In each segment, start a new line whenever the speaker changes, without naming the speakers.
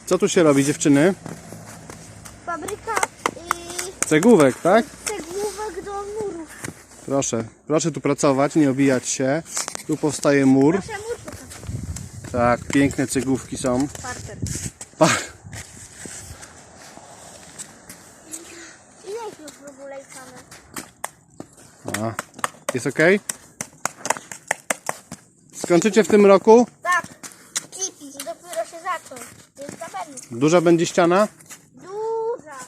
Co tu się robi, dziewczyny?
Fabryka
Cegłówek, tak?
cegłówek do murów.
Proszę tu pracować, nie obijać się. Tu powstaje mur.
Nasze murki.
Tak, piękne cegłówki są.
Parter. Ile ich już w ogóle mamy?
Jest ok? Skończycie w tym roku?
Tak. Kipi, dopiero się zaczął. Więc na pewno.
Duża będzie ściana?
Duża.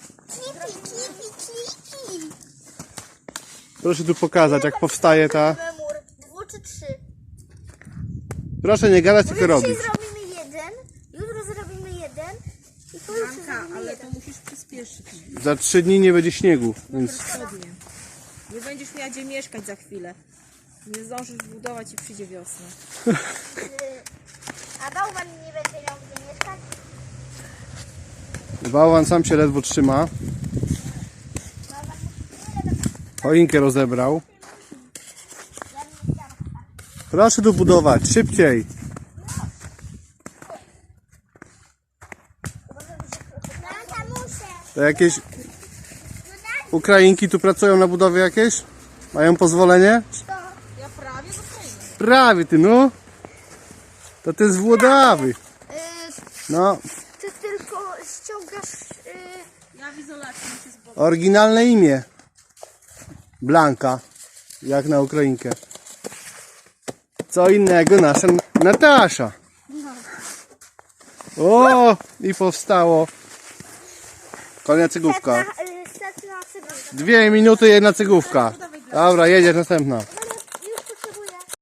Kipi.
Proszę tu pokazać, jak powstaje ta...
Mur. 2 czy 3.
Proszę nie gadać, tylko robić.
Dzisiaj zrobimy jeden, jutro zrobimy jeden i pojutrze zrobimy
Ale
jeden.
to musisz przyspieszyć.
Za 3 dni nie będzie śniegu, więc...
Pewnie. Nie będziesz miała gdzie mieszkać za chwilę. Nie zdążysz budować i przyjdzie wiosna.
A bałwan nie będzie miał gdzie mieszkać?
Bałwan sam się ledwo trzyma. Choinkę rozebrał. Proszę tu budować, szybciej. To jakieś Ukrainki tu pracują na budowie jakieś? Mają pozwolenie?
Ja prawie dostaję.
Prawie ty, no. To ty z Włodawy. No,
Ty tylko ściągasz...
Ja w izolacji muszę zboczyć.
oryginalne imię. Blanka. Jak na Ukrainkę. Co innego nasza Natasza. O, i powstało. Kolejna cegłówka. 2 minuty, jedna cegłówka. Dobra, jedziesz następna.